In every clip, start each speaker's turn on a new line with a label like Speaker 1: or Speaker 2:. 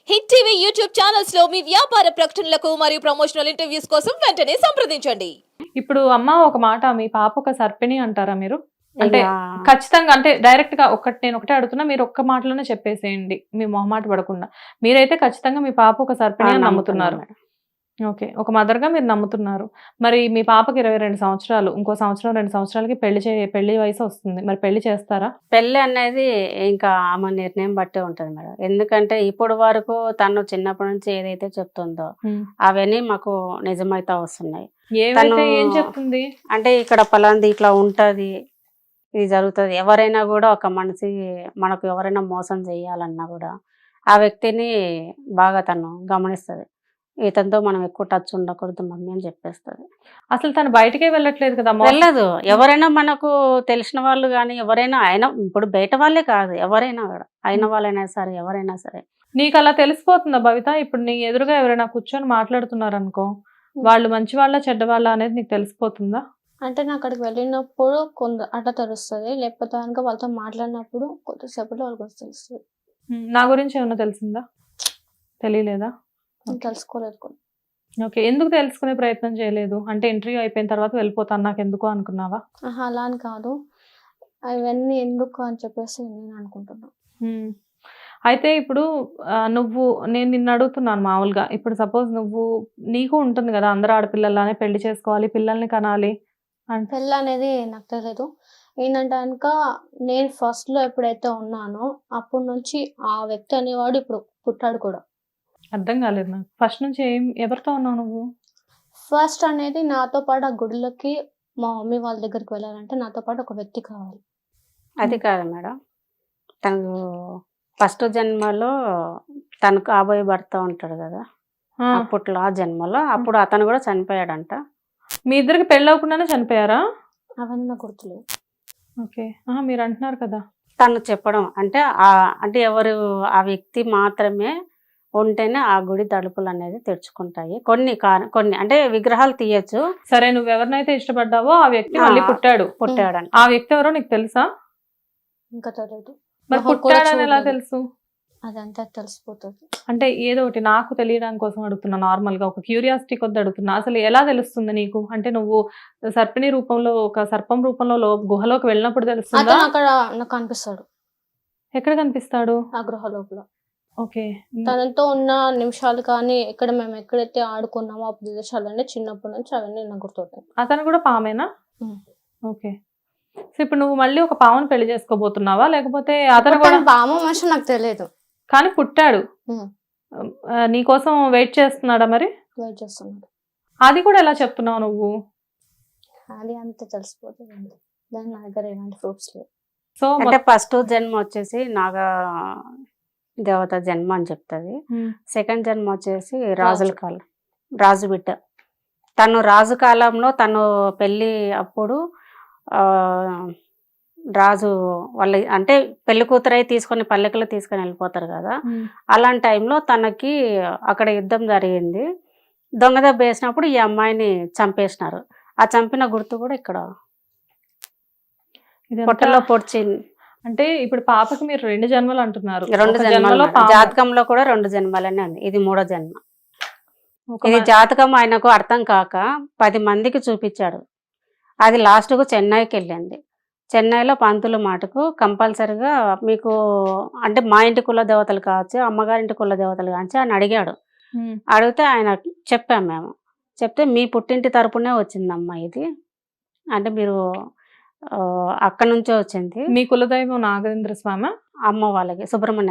Speaker 1: Hit TV YouTube channels లో మీ వ్యాపార ప్రకటనలకు మరియు ప్రమోషనల్ ఇంటర్వ్యూస్ కోసం వెంటనే సంప్రదించండి.
Speaker 2: ఇప్పుడు అమ్మ ఒక మాట, మీ పాప ఒక సర్పిణి అంటారా మీరు? అంటే
Speaker 3: ఇంకా
Speaker 2: ఖచ్చితంగా, అంటే డైరెక్ట్ గా నేను ఒకటే అడుగుతున్నా, మీరు ఒక్క మాటలోనే చెప్పేసేయండి, మీ మొహమాట పడకుండా. మీరైతే ఖచ్చితంగా మీ పాప ఒక సర్పిణి అని నమ్ముతున్నారు.
Speaker 3: నమ్ముతున్నాను.
Speaker 2: ఓకే, ఒక మదర్ గా మీరు నమ్ముతున్నారు. మరి మీ పాపకి 22 సంవత్సరాలు, ఇంకో సంవత్సరం 2 సంవత్సరాలకి పెళ్లి వయసు వస్తుంది. మరి పెళ్లి చేస్తారా?
Speaker 3: పెళ్ళి అనేది ఇంకా ఆమె నిర్ణయం బట్టే ఉంటది మేడం. ఎందుకంటే ఇప్పుడు వరకు తను చిన్నప్పటి నుంచి ఏదైతే చెప్తుందో అవన్నీ మాకు నిజమైతే వస్తున్నాయి.
Speaker 2: ఏమైతే ఏం చెప్తుంది?
Speaker 3: అంటే ఇక్కడ పలాంది ఇట్లా ఉంటది, ఇది జరుగుతుంది. ఎవరైనా కూడా ఒక మనిషి మనకు ఎవరైనా మోసం చేయాలన్నా కూడా ఆ వ్యక్తిని బాగా తను గమనిస్తుంది. ఇతనితో మనం ఎక్కువ టచ్ ఉండకూడదు మమ్మీ అని చెప్పేస్తుంది.
Speaker 2: అసలు తను బయటకే వెళ్ళట్లేదు కదా?
Speaker 3: వెళ్ళదు. ఎవరైనా మనకు తెలిసిన వాళ్ళు కానీ ఎవరైనా, అయినా ఇప్పుడు బయట వాళ్ళే కాదు, ఎవరైనా కూడా, అయిన వాళ్ళైనా సరే ఎవరైనా సరే.
Speaker 2: నీకు అలా తెలిసిపోతుందా భవిత? ఇప్పుడు నీ ఎదురుగా ఎవరైనా కూర్చొని మాట్లాడుతున్నారు అనుకో, వాళ్ళు మంచి వాళ్ళ చెడ్డ వాళ్ళ అనేది నీకు తెలిసిపోతుందా?
Speaker 4: అంటే నేను అక్కడికి వెళ్ళినప్పుడు అట్లా తెలుస్తుంది, లేకపోతే కనుక వాళ్ళతో మాట్లాడినప్పుడు కొద్దిసేపట్లో వాళ్ళకి తెలుస్తుంది.
Speaker 2: నా గురించి ఏమన్నా తెలిసిందా? తెలియలేదా?
Speaker 4: తెలుసుకోలేదు కూడా.
Speaker 2: ఓకే, ఎందుకు తెలుసుకునే ప్రయత్నం చేయలేదు? అంటే ఇంటర్వ్యూ అయిపోయిన తర్వాత వెళ్ళిపోతాను నాకు ఎందుకు అనుకున్నావా?
Speaker 4: అలా అని కాదు, అవన్నీ ఎందుకు అని చెప్పేసి నేను అనుకుంటున్నా.
Speaker 2: అయితే ఇప్పుడు నేను నిన్ను అడుగుతున్నాను మామూలుగా, ఇప్పుడు సపోజ్ నీకు ఉంటుంది కదా, అందరు ఆడపిల్లలానే పెళ్లి చేసుకోవాలి, పిల్లల్ని కనాలి అంటే.
Speaker 4: పెళ్ళి అనేది నాకు తెలియదు. ఏంటంటే కనుక నేను ఫస్ట్ లో ఎప్పుడైతే ఉన్నానో అప్పటి నుంచి ఆ వ్యక్తి అనేవాడు ఇప్పుడు పుట్టాడు కూడా.
Speaker 2: అర్థం కాలేదు నాకు. ఫస్ట్ నుంచి ఎవరితో ఉన్నావు నువ్వు?
Speaker 4: ఫస్ట్ అనేది నాతో పాటు ఆ గుడిలోకి మా మమ్మీ వాళ్ళ దగ్గరికి వెళ్ళాలంటే నాతో పాటు ఒక వ్యక్తి కావాలి.
Speaker 3: అది కాదు మేడం, తను ఫస్ట్ జన్మలో తను కాబోయే భర్త ఉంటాడు కదా, అప్పట్లో ఆ జన్మలో అప్పుడు అతను కూడా చనిపోయాడంట.
Speaker 2: మీ ఇద్దరికి పెళ్ళి అవ్వకుండానే చనిపోయారా?
Speaker 4: అవన్నీ నాకు గుర్తులేవు.
Speaker 2: ఓకే, మీరు అంటున్నారు కదా.
Speaker 3: తను చెప్పడం అంటే అంటే ఎవరు ఆ వ్యక్తి మాత్రమే ఉంటేనే ఆ గుడి తలుపులు అనేది తెరుచుకుంటాయి. కొన్ని అంటే విగ్రహాలు తీయచ్చు.
Speaker 2: సరే, నువ్వు ఎవరినైతే ఇష్టపడ్డావో ఆ వ్యక్తి మళ్ళీ పుట్టాడంట. ఆ వ్యక్తి ఎవరో నీకు తెలుసా?
Speaker 4: ఇంకా తెలియదు.
Speaker 2: మరి పుట్టాడని ఎలా తెలుసు?
Speaker 4: అదంతా తెలిసిపోతుంది.
Speaker 2: అంటే ఏదో ఒకటి నాకు తెలియడానికి కోసం అడుగుతున్నా, నార్మల్ గా ఒక క్యూరియాసిటీ కొద్ది అడుగుతున్నా. అసలు ఎలా తెలుస్తుంది నీకు? అంటే నువ్వు సర్పిణి రూపంలో, ఒక సర్పం రూపంలో గుహలోకి వెళ్ళినప్పుడు తెలుస్తుందా?
Speaker 4: అక్కడ నాకు కనిపిస్తాడు.
Speaker 2: ఎక్కడ కనిపిస్తాడు?
Speaker 4: ఆ గృహ లోపల.
Speaker 2: ఓకే,
Speaker 4: తనతో ఉన్న నిమిషాలు కానీ మేము ఎక్కడైతే ఆడుకున్నామో ఆ ప్రదేశాలన్నీ చిన్నప్పటి నుంచి అవన్నీ నాకు గుర్తుంటాయి.
Speaker 2: అతను కూడా పామేనా? ఓకే, సో ఇప్పుడు నువ్వు మళ్ళీ ఒక పామును పెళ్లి చేసుకోబోతున్నావా, లేకపోతే అతను కూడా?
Speaker 4: పాము మనిషి నాకు తెలియదు,
Speaker 2: కానీ పుట్టాడు. నీకోసం వెయిట్ చేస్తున్నాడా? మరి
Speaker 4: వెయిట్ చేస్తున్నాడు.
Speaker 2: అది కూడా ఎలా చెప్తున్నావు నువ్వు?
Speaker 4: అది అంత తెలిసిపోతుంది, దాని నా దగ్గర ఎలాంటి ప్రూఫ్స్ లేవు.
Speaker 3: సో అంటే ఫస్ట్ జన్మ వచ్చేసి నాగ దేవత జన్మ అని చెప్తుంది. సెకండ్ జన్మ వచ్చేసి రాజుల కాలం, రాజు బిడ్డ. తను రాజు కాలంలో తను పెళ్ళి అప్పుడు రాజు వాళ్ళ అంటే పెళ్లి కూతురై తీసుకొని పల్లెకలు తీసుకొని వెళ్ళిపోతారు కదా, అలాంటి టైంలో తనకి అక్కడ యుద్ధం జరిగింది. దొంగ దెబ్బ వేసినప్పుడు ఈ అమ్మాయిని చంపేసినారు. ఆ చంపిన గుర్తు కూడా ఇక్కడ పొట్టలో పొడిచి.
Speaker 2: అంటే ఇప్పుడు పాపకి మీరు 2 జన్మలు అంటున్నారు.
Speaker 3: 2 జన్మలు, జాతకంలో కూడా 2 జన్మలనే ఉంది. ఇది 3వ జన్మ. ఇది జాతకం ఆయనకు అర్థం కాక 10 మందికి చూపించాడు. అది లాస్ట్కు చెన్నైకి వెళ్ళింది. చెన్నైలో పంతులు మాటకు కంపల్సరిగా మీకు అంటే మా ఇంటి కుల దేవతలు కావచ్చు, అమ్మగారింటి కుల దేవతలు కావచ్చు అని అడిగాడు. అడిగితే ఆయన చెప్పాము మేము. చెప్తే మీ పుట్టింటి తరపునే వచ్చిందమ్మా ఇది, అంటే మీరు అక్కడ నుంచే వచ్చింది.
Speaker 2: మీ కులదైవం నాగేంద్ర స్వామి,
Speaker 3: అమ్మ వాళ్ళకి సుబ్రహ్మణ్య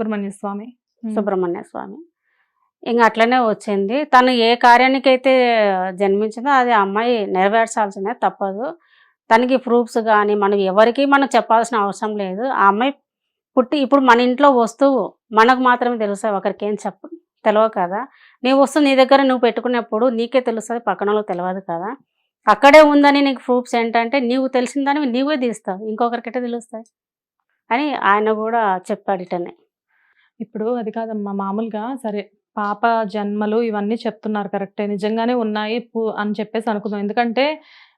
Speaker 3: స్వామి. ఇంకా అట్లనే వచ్చింది. తను ఏ కార్యానికైతే జన్మించిందో అది అమ్మాయి నెరవేర్చాల్సిందే, తప్పదు. తనకి ప్రూఫ్స్ కానీ మనం ఎవరికి మనం చెప్పాల్సిన అవసరం లేదు. ఆ అమ్మాయి పుట్టి ఇప్పుడు మన ఇంట్లో వస్తువు మనకు మాత్రమే తెలుస్తుంది, ఒకరికి ఏం తెలియదు కదా. నీ వస్తువు నీ దగ్గర నువ్వు పెట్టుకునేప్పుడు నీకే తెలుస్తుంది, పక్కన వాళ్ళకి తెలియదు కదా. అక్కడే ఉందని నీకు ప్రూఫ్స్ ఏంటంటే నీవు తెలిసిందని నీవే తీస్తావు, ఇంకొకరికైతే తెలుస్తాయి అని ఆయన కూడా చెప్పాడు ఇటనే.
Speaker 2: ఇప్పుడు అది కాదమ్మా, మామూలుగా సరే పాప జన్మలు ఇవన్నీ చెప్తున్నారు కరెక్టే, నిజంగానే ఉన్నాయి అని చెప్పేసి అనుకుందాం. ఎందుకంటే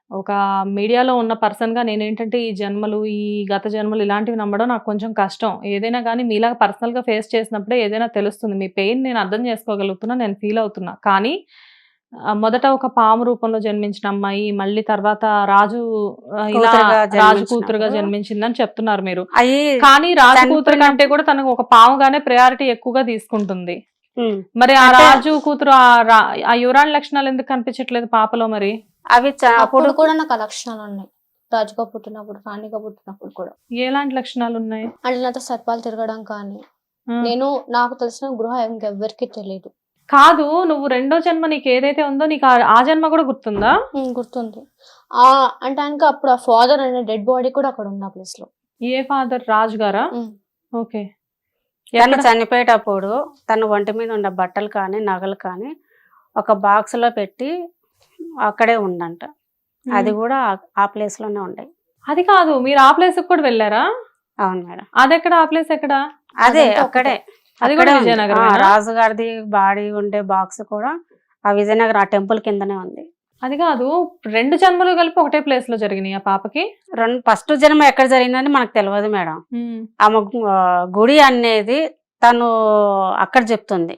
Speaker 2: ఒక మీడియాలో ఉన్న పర్సన్గా నేనేంటంటే ఈ జన్మలు, ఈ గత జన్మలు ఇలాంటివి నమ్మడం నాకు కొంచెం కష్టం. ఏదైనా కానీ మీలాగా పర్సనల్గా ఫేస్ చేసినప్పుడే ఏదైనా తెలుస్తుంది. మీ పెయిన్ నేను అర్థం చేసుకోగలుగుతున్నా, నేను ఫీల్ అవుతున్నా. కానీ మొదట ఒక పాము రూపంలో జన్మించిన అమ్మాయి, మళ్ళీ తర్వాత రాజు ఇలా రాజు కూతురుగా జన్మించిందని చెప్తున్నారు మీరు. కానీ రాజు కూతురు కంటే కూడా తనకు ఒక పాముగానే ప్రయారిటీ ఎక్కువగా తీసుకుంటుంది. మరి ఆ రాజు కూతురు ఆ యువరాణి లక్షణాలు ఎందుకు కనిపించట్లేదు పాపలో? మరి
Speaker 3: అవి
Speaker 4: అప్పుడు కూడా నాకు ఆ లక్షణాలు ఉన్నాయి. రాజుగా పుట్టినప్పుడు, రాణిగా పుట్టినప్పుడు కూడా.
Speaker 2: ఎలాంటి లక్షణాలు ఉన్నాయి?
Speaker 4: అంటే నాతో సర్పాలు తిరగడం కానీ, నేను నాకు తెలిసిన గృహ ఇంకెవ్వరికి తెలియదు.
Speaker 2: కాదు, నువ్వు రెండో జన్మ నీకు ఏదైతే ఉందో నీకు ఆ జన్మ కూడా గుర్తుందా?
Speaker 4: గుర్తుంది. అంటే ఆయనకి అప్పుడు ఆ ఫాదర్ అనే డెడ్ బాడీ కూడా అక్కడ ఉంది ఆ ప్లేస్ లో.
Speaker 2: ఏ ఫాదర్? రాజు గారా? ఓకే.
Speaker 3: తను చనిపోయేటప్పుడు తన ఒంటి మీద ఉన్న బట్టలు కానీ నగలు కానీ ఒక బాక్స్ లో పెట్టి అక్కడే ఉందంట. అది కూడా ఆ ప్లేస్ లోనే ఉండే.
Speaker 2: అది కాదు, మీరు ఆ ప్లేస్ కూడా వెళ్ళారా?
Speaker 3: అవును మేడం.
Speaker 2: అది ఎక్కడ? ఆ ప్లేస్ ఎక్కడ?
Speaker 3: అదే అక్కడే.
Speaker 2: అది కూడా విజయనగరం.
Speaker 3: రాజుగారిది బాడీ ఉండే బాక్స్ కూడా ఆ విజయనగరం ఆ టెంపుల్ కిందనే ఉంది.
Speaker 2: అది కాదు, రెండు జన్మలు కలిపి ఒకటే ప్లేస్ లో జరిగినాయి ఆ పాపకి?
Speaker 3: ఫస్ట్ జన్మ ఎక్కడ జరిగిందని మనకు తెలియదు మేడం. ఆమె గుడి అనేది తను అక్కడ చెప్తుంది.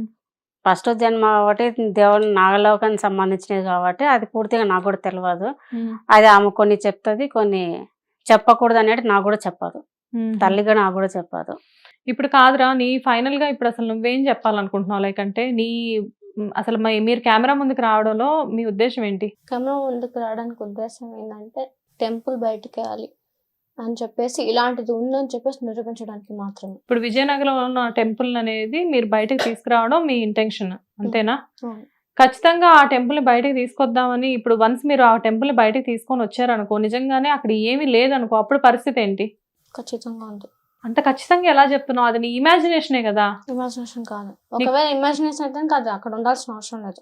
Speaker 3: ఫస్ట్ జన్మ ఒకటి దేవుని నాగలోకానికి సంబంధించినది కాబట్టి అది పూర్తిగా నాకు కూడా తెలియదు. అది ఆమె కొన్ని చెప్తుంది, కొన్ని చెప్పకూడదు అనేది నాకు కూడా చెప్పదు. తల్లిగా నాకు కూడా చెప్పదు.
Speaker 2: ఇప్పుడు కాదురా, నీ ఫైనల్ గా ఇప్పుడు అసలు నువ్వేం చెప్పాలనుకుంటున్నావు? లైక్ అంటే నీ అసలు మీరు కెమెరా ముందుకు రావడంలో మీ ఉద్దేశం ఏంటి?
Speaker 4: కెమెరా ముందుకు రావడానికి ఉద్దేశం ఏంటంటే టెంపుల్ బయటకు వెళ్ళాలి అని చెప్పేసి, ఇలాంటిది ఉందని చెప్పేసి నిరూపించడానికి మాత్రమే.
Speaker 2: ఇప్పుడు విజయనగరంలో ఉన్న టెంపుల్ అనేది మీరు బయటకు తీసుకురావడం మీ ఇంటెన్షన్, అంతేనా? ఖచ్చితంగా ఆ టెంపుల్ ని బయటకు తీసుకొద్దామని ఇప్పుడు వన్స్ మీరు ఆ టెంపుల్ ని బయటకు తీసుకొని వచ్చారనుకో, నిజంగానే అక్కడ ఏమీ లేదనుకో, అప్పుడు పరిస్థితి ఏంటి?
Speaker 4: ఖచ్చితంగా ఉంది.
Speaker 2: అంటే ఖచ్చితంగా ఎలా చెప్తున్నావు? అది నీ ఇమాజినేషనే కదా?
Speaker 4: ఇమాజినేషన్ కాదు. ఒకవేళ ఇమాజినేషన్ అయితే కాదు, అక్కడ ఉండాల్సిన అవసరం లేదు.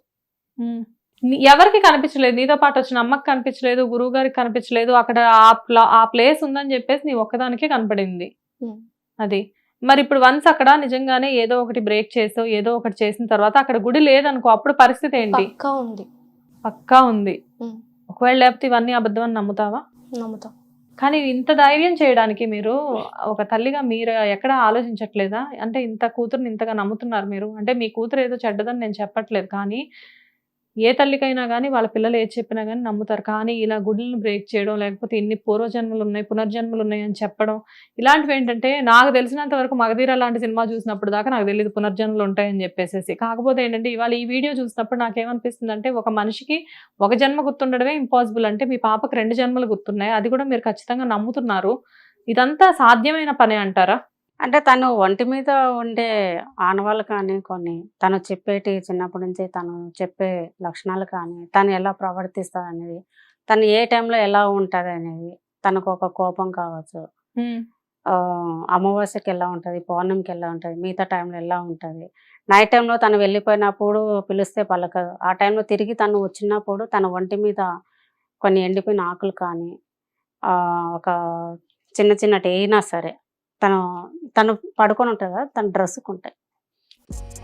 Speaker 2: ఎవరికి కనిపించలేదు? నీతో పాటు వచ్చిన అమ్మకి కనిపించలేదు, గురువు గారికి కనిపించలేదు, అక్కడ ఆ ప్లేస్ ఉందని చెప్పేసి నీ ఒక్కదానికే కనపడింది. అది మరి ఇప్పుడు వన్స్ అక్కడ నిజంగానే ఏదో ఒకటి బ్రేక్ చేసో ఏదో ఒకటి చేసిన తర్వాత అక్కడ గుడి లేదనుకో, అప్పుడు పరిస్థితి ఏంటి?
Speaker 4: పక్కా ఉంది.
Speaker 2: పక్కా ఉంది. ఒకవేళ లేకపోతే ఇవన్నీ అబద్ధం అని నమ్ముతావా?
Speaker 4: నమ్ముతా.
Speaker 2: కానీ ఇంత ధైర్యం చేయడానికి మీరు ఒక తల్లిగా మీరు ఎక్కడ ఆలోచించట్లేదా? అంటే ఇంత కూతురుని ఇంతగా నమ్ముతున్నారు మీరు. అంటే మీ కూతురు ఏదో చెడ్డదని నేను చెప్పట్లేదు, కానీ ఏ తల్లికైనా కానీ వాళ్ళ పిల్లలు ఏది చెప్పినా కానీ నమ్ముతారు. కానీ ఇలా గుడులను బ్రేక్ చేయడం, లేకపోతే ఇన్ని పూర్వజన్మలు ఉన్నాయి, పునర్జన్మలు ఉన్నాయి అని చెప్పడం, ఇలాంటివి ఏంటంటే నాకు తెలిసినంత వరకు మగధీర లాంటి సినిమా చూసినప్పుడు దాకా నాకు తెలియదు పునర్జన్మలు ఉంటాయని చెప్పేసి. కాకపోతే ఏంటంటే ఇవాళ ఈ వీడియో చూసినప్పుడు నాకేమనిపిస్తుంది అంటే, ఒక మనిషికి ఒక జన్మ గుర్తుండడమే ఇంపాసిబుల్ అంటే మీ పాపకు 2 జన్మలు గుర్తున్నాయి, అది కూడా మీరు ఖచ్చితంగా నమ్ముతున్నారు. ఇదంతా సాధ్యమైన పనే అంటారా?
Speaker 3: అంటే తను ఒంటి మీద ఉండే ఆనవాళ్ళు కానీ, కొన్ని తను చెప్పేటి చిన్నప్పటి నుంచి తను చెప్పే లక్షణాలు కానీ, తను ఎలా ప్రవర్తిస్తుంది అనేది, తను ఏ టైంలో ఎలా ఉంటుంది అనేది, తనకు ఒక కోపం కావచ్చు, అమావాస్యకి ఎలా ఉంటుంది, పౌర్ణమికి ఎలా ఉంటుంది, మిగతా టైంలో ఎలా ఉంటుంది, నైట్ టైంలో తను వెళ్ళిపోయినప్పుడు పిలిస్తే పలకదు, ఆ టైంలో తిరిగి తను వచ్చినప్పుడు తన ఒంటి మీద కొన్ని ఎండిపోయిన ఆకులు కానీ, ఒక చిన్న చిన్నటి అయినా సరే తను పడుకొని ఉంటుంది కదా, తన డ్రెస్సుకు ఉంటాయి.